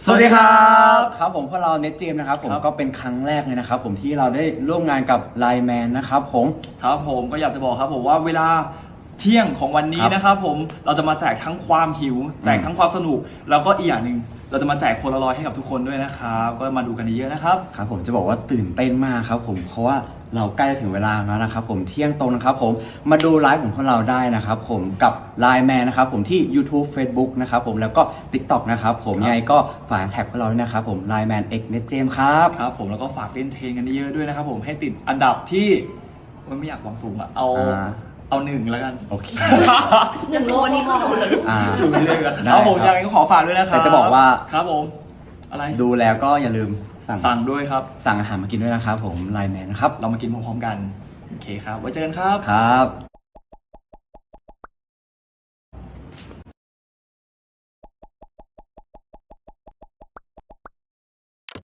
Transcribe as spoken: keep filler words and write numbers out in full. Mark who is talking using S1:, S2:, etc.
S1: สวัสดีครับ
S2: ครับผมพวกเราเน็ตเจมนะครับผม
S1: ครับ
S2: ก็เป็นครั้งแรกเลยนะครับผมที่เราได้ร่วมงานกับไลน์แมนนะครับผม
S1: ครับผมก็อยากจะบอกครับผมว่าเวลาเที่ยงของวันนี้
S2: ครับ
S1: นะครับผมเราจะมาแจกทั้งความหิว แจกทั้งความสนุก แล้วก็อีกอย่างหนึ่งเราจะมาแจกโพลารอยด์ให้กับทุกคนด้วยนะครับก็มาดูกันเยอะๆนะครับ
S2: ครับผมจะบอกว่าตื่นเต้นมากครับผมเพราะว่าเราใกล้ถึงเวลาแล้วนะครับผมเที่ยงตรงนะครับผมมาดูไลฟ์ของพวกเราได้นะครับผมกับไลน์แมนนะครับผมที่ YouTube Facebook นะครับผมแล้วก็ TikTok นะครับผม
S1: ครับ
S2: ยังไงก็ฝากแท็กพวกเราด้วยนะครับผมไลน์แมน X เน็ตเจมครับ
S1: ครับผมแล้วก็ฝากเล่นเทรนกันเยอะๆด้วยนะครับผมให้ติดอันดับที่โอ๊ยไม่อยากหวังสูงอะเอา
S2: อ่า
S1: เอาหนึ่งแล้วกัน
S2: โอเค
S3: หนึ่งโลนี่คือศูนย์เลย
S2: อ่า
S1: สูงไปเรื่อยกัน
S2: ได้
S1: ครับผม
S2: ครับ
S1: ยังไงก็ขอฝากด้วยนะครับ
S2: แต่จะบอกว่า
S1: ครับผมอะไร
S2: ดูแล้วก็อย่าลืมสั่ง
S1: สั่งด้วยครับ
S2: สั่งอาหารมากินด้วยนะครับผมไลน์แมนนะครับ
S1: เรามากินพร้อมๆกันโอเคครับไว้เจอกันครับ
S2: ครับ